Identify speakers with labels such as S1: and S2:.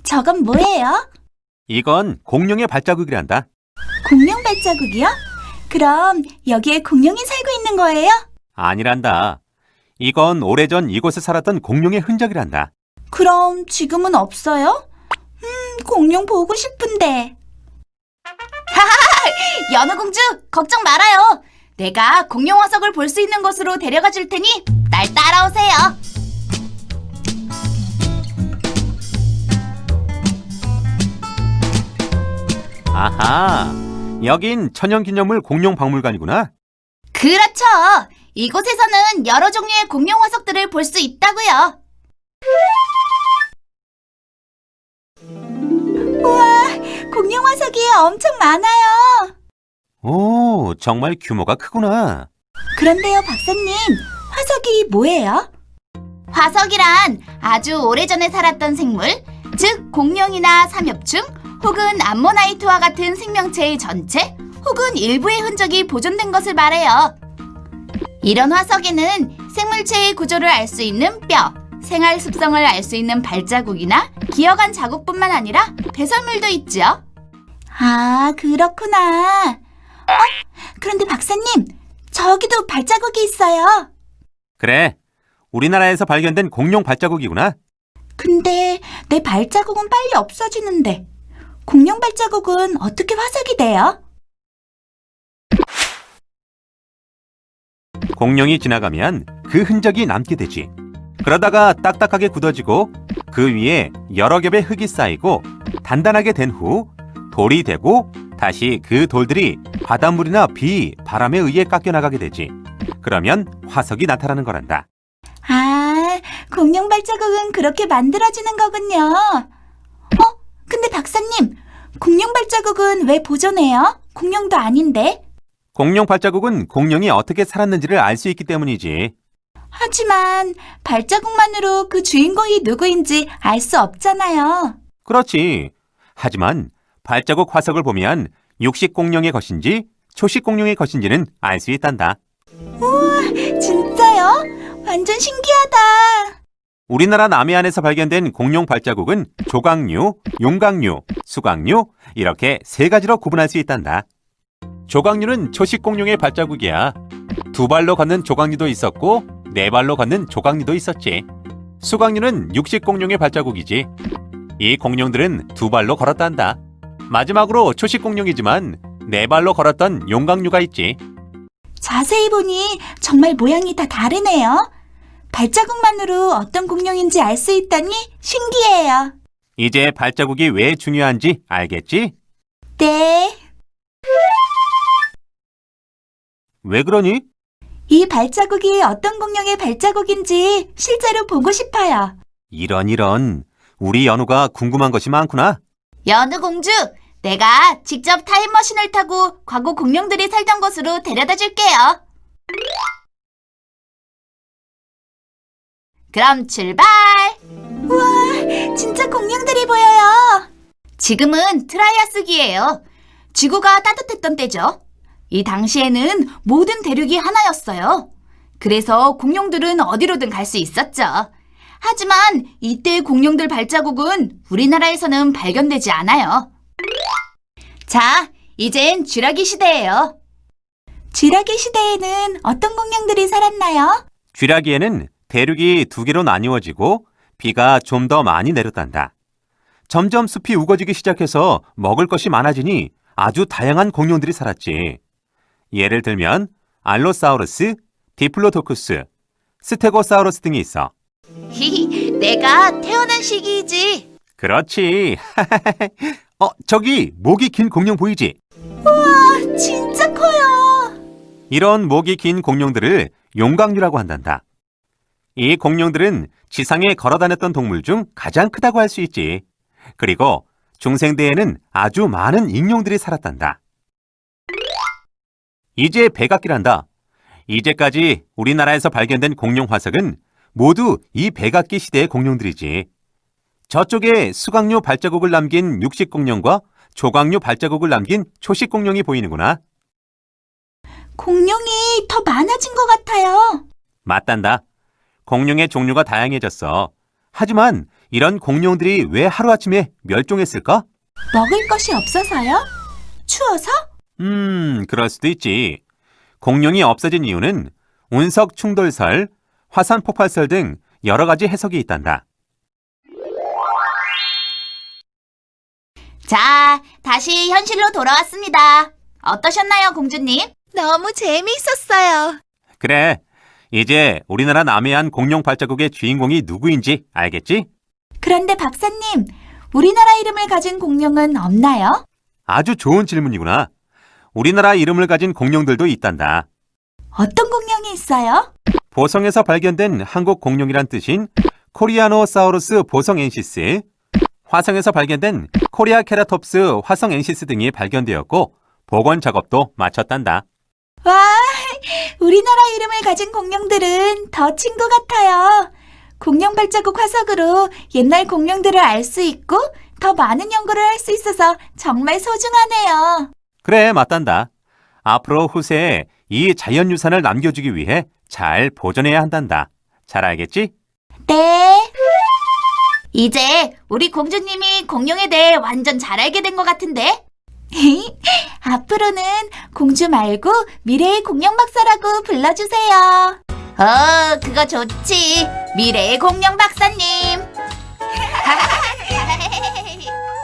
S1: 저건 뭐예요?
S2: 이건 공룡의 발자국이란다.
S1: 공룡 발자국이요? 그럼 여기에 공룡이 살고 있는 거예요?
S2: 아니란다. 이건 오래전 이곳에 살았던 공룡의 흔적이란다.
S1: 그럼 지금은 없어요? 공룡 보고 싶은데. 하하! 연우공주, 걱정 말아요. 내가 공룡 화석을 볼 수 있는 곳으로 데려가 줄 테니 날 따라오세요.
S2: 아하, 여긴 천연기념물 공룡박물관이구나.
S1: 그렇죠. 이곳에서는 여러 종류의 공룡 화석들을 볼 수 있다고요. 우와, 공룡 화석이 엄청 많아요.
S2: 오, 정말 규모가 크구나.
S1: 그런데요, 박사님, 화석이 뭐예요? 화석이란 아주 오래전에 살았던 생물, 즉 공룡이나 삼엽충 혹은 암모나이트와 같은 생명체의 전체 혹은 일부의 흔적이 보존된 것을 말해요. 이런 화석에는 생물체의 구조를 알 수 있는 뼈, 생활 습성을 알 수 있는 발자국이나 기어간 자국뿐만 아니라 배설물도 있죠. 아, 그렇구나. 그런데 박사님, 저기도 발자국이 있어요.
S2: 그래, 우리나라에서 발견된 공룡 발자국이구나.
S1: 근데 내 발자국은 빨리 없어지는데 공룡 발자국은 어떻게 화석이 돼요?
S2: 공룡이 지나가면 그 흔적이 남게 되지. 그러다가 딱딱하게 굳어지고 그 위에 여러 겹의 흙이 쌓이고 단단하게 된 후 돌이 되고 다시 그 돌들이 바닷물이나 비, 바람에 의해 깎여나가게 되지. 그러면 화석이 나타나는 거란다.
S1: 아, 공룡 발자국은 그렇게 만들어지는 거군요. 근데 박사님, 공룡 발자국은 왜 보존해요? 공룡도 아닌데.
S2: 공룡 발자국은 공룡이 어떻게 살았는지를 알 수 있기 때문이지.
S1: 하지만 발자국만으로 그 주인공이 누구인지 알 수 없잖아요.
S2: 그렇지. 하지만 발자국 화석을 보면 육식 공룡의 것인지 초식 공룡의 것인지는 알 수 있단다.
S1: 우와, 진짜요? 완전 신기하다.
S2: 우리나라 남해안에서 발견된 공룡 발자국은 조각류, 용각류, 수각류 이렇게 세 가지로 구분할 수 있단다. 조각류는 초식 공룡의 발자국이야. 두 발로 걷는 조각류도 있었고 네 발로 걷는 조각류도 있었지. 수각류는 육식 공룡의 발자국이지. 이 공룡들은 두 발로 걸었단다. 마지막으로 초식 공룡이지만 네 발로 걸었던 용각류가 있지.
S1: 자세히 보니 정말 모양이 다 다르네요. 발자국만으로 어떤 공룡인지 알 수 있다니 신기해요.
S2: 이제 발자국이 왜 중요한지 알겠지?
S1: 네.
S2: 왜 그러니?
S1: 이 발자국이 어떤 공룡의 발자국인지 실제로 보고 싶어요.
S2: 이런. 우리 연우가 궁금한 것이 많구나.
S1: 연우 공주, 내가 직접 타임머신을 타고 과거 공룡들이 살던 곳으로 데려다 줄게요. 그럼 출발! 우와, 진짜 공룡들이 보여요. 지금은 트라이아스기예요. 지구가 따뜻했던 때죠. 이 당시에는 모든 대륙이 하나였어요. 그래서 공룡들은 어디로든 갈 수 있었죠. 하지만 이때 공룡들 발자국은 우리나라에서는 발견되지 않아요. 자, 이젠 쥐라기 시대예요. 쥐라기 시대에는 어떤 공룡들이 살았나요?
S2: 쥐라기에는 대륙이 두 개로 나뉘어지고 비가 좀 더 많이 내렸단다. 점점 숲이 우거지기 시작해서 먹을 것이 많아지니 아주 다양한 공룡들이 살았지. 예를 들면 알로사우루스, 디플로도쿠스, 스테고사우루스 등이 있어.
S1: 히히, 내가 태어난 시기이지.
S2: 그렇지. 저기 목이 긴 공룡 보이지?
S1: 우와, 진짜 커요.
S2: 이런 목이 긴 공룡들을 용각류라고 한단다. 이 공룡들은 지상에 걸어다녔던 동물 중 가장 크다고 할 수 있지. 그리고 중생대에는 아주 많은 익룡들이 살았단다. 이제 백악기란다. 이제까지 우리나라에서 발견된 공룡 화석은 모두 이 백악기 시대의 공룡들이지. 저쪽에 수각류 발자국을 남긴 육식 공룡과 조각류 발자국을 남긴 초식 공룡이 보이는구나.
S1: 공룡이 더 많아진 것 같아요.
S2: 맞단다. 공룡의 종류가 다양해졌어. 하지만 이런 공룡들이 왜 하루아침에 멸종했을까?
S1: 먹을 것이 없어서요? 추워서?
S2: 그럴 수도 있지. 공룡이 없어진 이유는 운석 충돌설, 화산 폭발설 등 여러 가지 해석이 있단다.
S1: 자, 다시 현실로 돌아왔습니다. 어떠셨나요, 공주님? 너무 재미있었어요.
S2: 그래, 이제 우리나라 남해안 공룡 발자국의 주인공이 누구인지 알겠지?
S1: 그런데 박사님, 우리나라 이름을 가진 공룡은 없나요?
S2: 아주 좋은 질문이구나. 우리나라 이름을 가진 공룡들도 있단다.
S1: 어떤 공룡이 있어요?
S2: 보성에서 발견된 한국 공룡이란 뜻인 코리아노사우루스 보성엔시스, 화성에서 발견된 코리아케라톱스 화성엔시스 등이 발견되었고 복원 작업도 마쳤단다.
S1: 와, 우리나라 이름을 가진 공룡들은 더 친구 같아요. 공룡 발자국 화석으로 옛날 공룡들을 알 수 있고 더 많은 연구를 할 수 있어서 정말 소중하네요.
S2: 그래, 맞단다. 앞으로 후세에 이 자연유산을 남겨주기 위해 잘 보존해야 한단다. 잘 알겠지?
S1: 네. 이제 우리 공주님이 공룡에 대해 완전 잘 알게 된 것 같은데? 앞으로는 공주 말고 미래의 공룡 박사라고 불러주세요. 그거 좋지. 미래의 공룡 박사님.